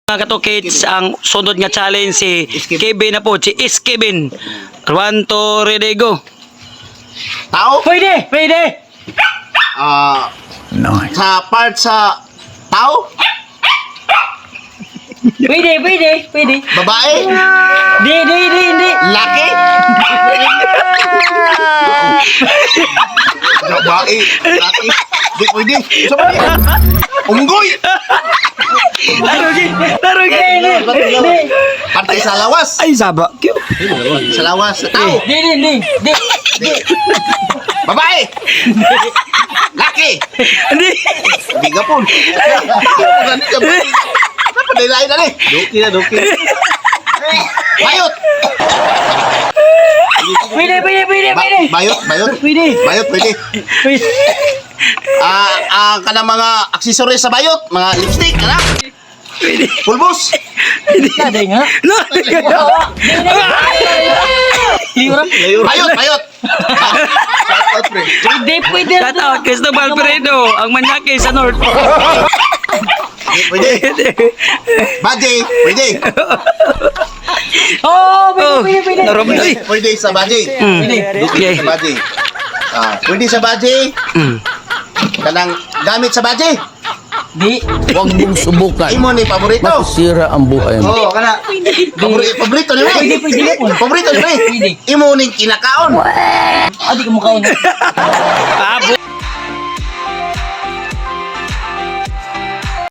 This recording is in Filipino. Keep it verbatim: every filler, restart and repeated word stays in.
Mga katokits, ang sunod nga challenge si Kevin na po, si Is Kevin. One, two, ready, go. Tao? Pwede, pwede. Ah, sa part sa tao? Pwede, pwede, pwede. Babae? Di, di, di, di. Laki? Babae? Laki? Di pwede. Sabi niya. Unggoy? Tarugi, tarugi. Di, Parte sa lawas? ay, saba. Sa lawas. Sa tao? Di, di, di, di. Di. Babae? Laki? Di. Di ka po. Padilain na ni. Doki na, doki. Bayot! Pwede, pwede, pwede, Ba- pwede. bayot, bayot. Pwede. Bayot, pwede. Pwede. Ah, ang kanang mga accessories sa bayot, mga lipstick, kana? Pulbos. Ada nga. No. Liura. Bayot, bayot. Pwede, pwede. Shout out, Cristobal Peredo, ang manyake sa North. Pwede. Baje, pwede. Oh, pwede, pwede, pwede. Narobi. Pwede sa baje. Pwede. Pwede sa baje. Ah, pwede sa baje. Kanang gamit sa baje. Di. Huwag mong subukan. Imo ni paborito. Masisira ang buhay mo. Oo, kana. Paborito, paborito ni Pwede, pwede, pwede. Paborito ni Pwede. Imo ni kinakaon. Adi ka mukhaon. Abo.